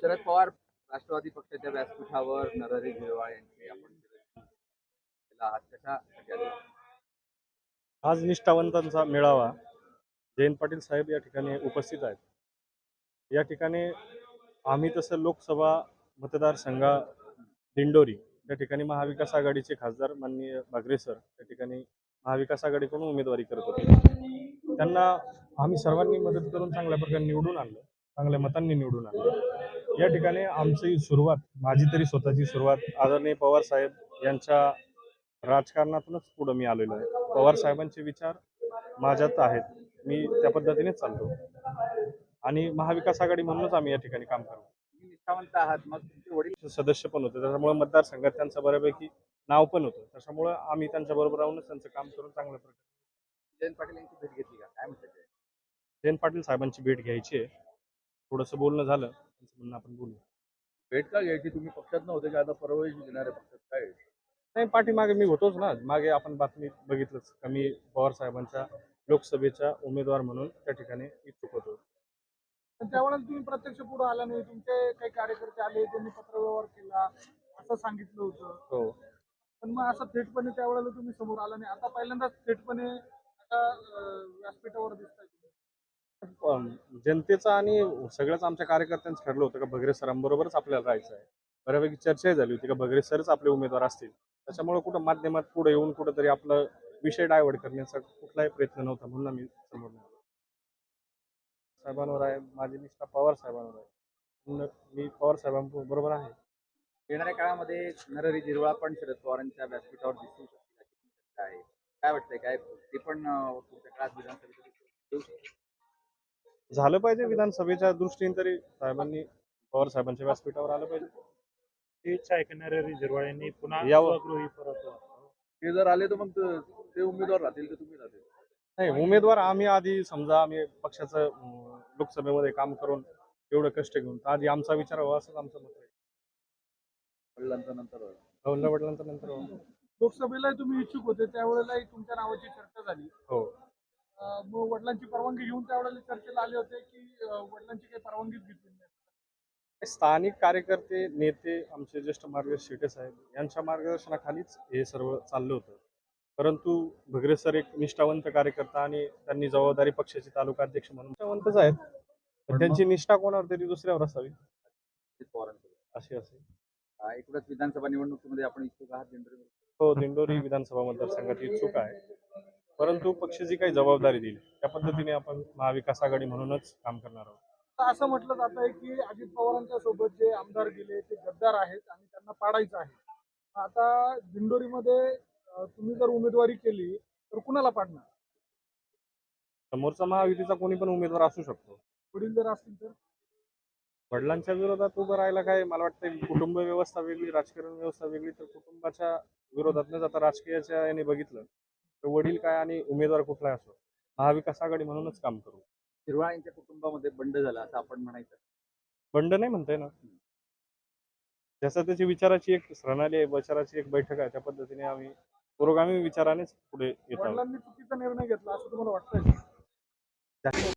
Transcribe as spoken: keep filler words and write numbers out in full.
शरद पवार राष्ट्रवादी पक्षाच्या व्यासपीठावर नरहरी झिरवाळ यांची आपण केला आहात कशासाठी आले? आज निष्ठावंतांचा मेळावा. जयंत पाटील साहेब या ठिकाणी उपस्थित आहेत. या ठिकाणी आम्ही तसं लोकसभा मतदारसंघा दिंडोरी या ठिकाणी महाविकास आघाडीचे खासदार माननीय बागरे सर त्या ठिकाणी महाविकास आघाडीकडून उमेदवारी करत होते. त्यांना आम्ही सर्वांनी मदत करून चांगल्या प्रकारे निवडून आणलं, चांगल्या मतांनी निवडून आणलं. या ठिकाणी आमची सुरुवात, माझी तरी स्वतःची सुरुवात आदरणीय पवार साहेब यांच्या राजकारणातूनच पुढे मी आलेलो आहे. पवार साहेबांचे विचार माझ्यात आहेत, मी त्या पद्धतीनेच चालतो आणि महाविकास आघाडी म्हणूनच आम्ही या ठिकाणी काम करतो. तुम्ही निष्ठावंत आहात, मग तुमचे वडील सदस्य पण होते, त्याच्यामुळे मतदारसंघात त्यांचं बऱ्यापैकी नाव पण होतं. त्याच्यामुळे आम्ही त्यांच्या बरोबर राहूनच त्यांचं काम करून चांगल्या प्रकारे. जयंत पाटील यांची भेट घेतली का, काय म्हणतात ते? जयंत पाटील साहेबांची भेट घ्यायची आहे. थोडंसं बोलणं झालं, त्यांचं म्हणणं आपण बोलू. भेट का घ्यायची? तुम्ही पक्षात नव्हते का, आता परवानगी घेणारे पक्षात काय? नाही, पाठीमागे मी होतोच ना. मागे आपण बातमी बघितलंच का मी पवार साहेबांच्या लोकसभेचा उमेदवार म्हणून त्या ठिकाणी इच्छुक होतो. पण त्यावेळेला तुम्ही प्रत्यक्ष पुढे आला नाही, तुमचे काही कार्यकर्ते आले, त्यांनी पत्रव्यवहार केला असं सांगितलं होतं. हो, पण मग असं थेटपणे त्यावेळेला तुम्ही समोर आला नाही. आता पहिल्यांदाच थेटपणे आता अं, व्यासपीठावर दिसताय तुम्ही. पण जनतेचं आणि सगळ्याच आमच्या कार्यकर्त्यांचं ठरलं होतं का भगरे सरांबरोबरच आपल्याला राहायचं आहे. बऱ्यापैकी चर्चाही झाली होती का भगरे सरच आपले उमेदवार असतील. त्याच्यामुळे कुठं माध्यमात पुढे येऊन कुठंतरी आपलं विषय डायव्हर्ट करण्याचा कुठलाही प्रयत्न नव्हता, म्हणून आम्ही समोर नाही आलो. साहेबांवर आहे, माझी निष्ठा पवार साहेबांवर आहे, म्हणून मी पवार साहेबांबरोबर आहे. येणाऱ्या काळामध्ये नरहरी झिरवाळ पण शरद पवारांच्या व्यासपीठावर दिसू शकतील अशी चर्चा आहे. काय वाटतंय, काय ते पण अं, पुढच्या काळात विधानसभेत येऊ शकतील? झालं पाहिजे विधानसभेच्या दृष्टीने तरी साहेबांनी पवार साहेबांच्या व्यासपीठावर आलं पाहिजे. ही इच्छा आहे की नरहरी झिरवाळ यांनी पुन्हा यावं. स्वगृही परत ते जर आले तर मग ते- ते उमेदवार राहतील तर तुम्ही राहतील? नाही, उमेदवार आम्ही आधी समजा आम्ही पक्षाचं अं, लोकसभेमध्ये काम करून एवढं कष्ट घेऊन तर आधी आमचा विचार व्हावा असंच आमचं मत आहे. वडिलांचा नंतर वडिला वडिलांचा नंतर व्हावा. लोकसभेलाही तुम्ही इच्छुक होते, त्यावेळेलाही तुमच्या नावाची चर्चा झाली. हो, अं, मग वडिलांची परवानगी घेऊन त्यावेळेला चर्चेला आले होते की अं, वडिलांची काही परवानगीच घेतली नाही? स्थानिक कार्यकर्ते नेते आमचे ज्येष्ठ मार्गदर्शक शेटे साहेब यांच्या मार्गदर्शनाखालीच हे सर्व चाललं होतं. परंतु भगरे सर एक निष्ठावंत कार्यकर्ता आणि त्यांनी जबाबदारी पक्षाचे तालुका अध्यक्ष म्हणून निष्ठावंतच आहेत, पण त्यांची निष्ठा कोणावर तरी दुसऱ्यावर असावी पवारांकडे अशी असेल. एकूणच विधानसभा निवडणुकीमध्ये आपण इच्छुक आहात दिंडोरी? हो, दिंडोरी विधानसभा मतदारसंघात इच्छुक आहे, परंतु पक्ष जी काही जबाबदारी दिली त्या पद्धतीने आपण महाविकास आघाडी म्हणूनच काम करणार आहोत. आता असं म्हटलं जात आहे की अजित पवारांच्या सोबत जे आमदार गेले ते गद्दार आहेत आणि त्यांना पाडायचं आहे. आता दिंडोरीमध्ये अं, तुम्ही जर उमेदवारी केली तर कुणाला पाडणार? समोरचा महायुतीचा कोणी पण उमेदवार असू शकतो. वडील जर असतील तर? वडिलांच्या विरोधात उभं राहायला काय, मला वाटतं कुटुंब व्यवस्था वेगळी, राजकारण व्यवस्था वेगळी, तर कुटुंबाच्या विरोधात न जाता राजकीयाच्या याने बघितलं तर वडील काय आणि उमेदवार कुठलाही असो, महाविकास आघाडी म्हणूनच काम करू. झिरवाळ यांच्या कुटुंबामध्ये बंड झाला असं आपण म्हणायचं? बंड नाही म्हणताय ना, जसं त्याची विचाराची एक प्रणाली आहे, विचाराची एक बैठक आहे, त्या पद्धतीने आम्ही पुरोगामी विचारानेच पुढे येत आहोत. वडिलांनी चुकीचा निर्णय घेतला असं तुम्हाला वाटतंय?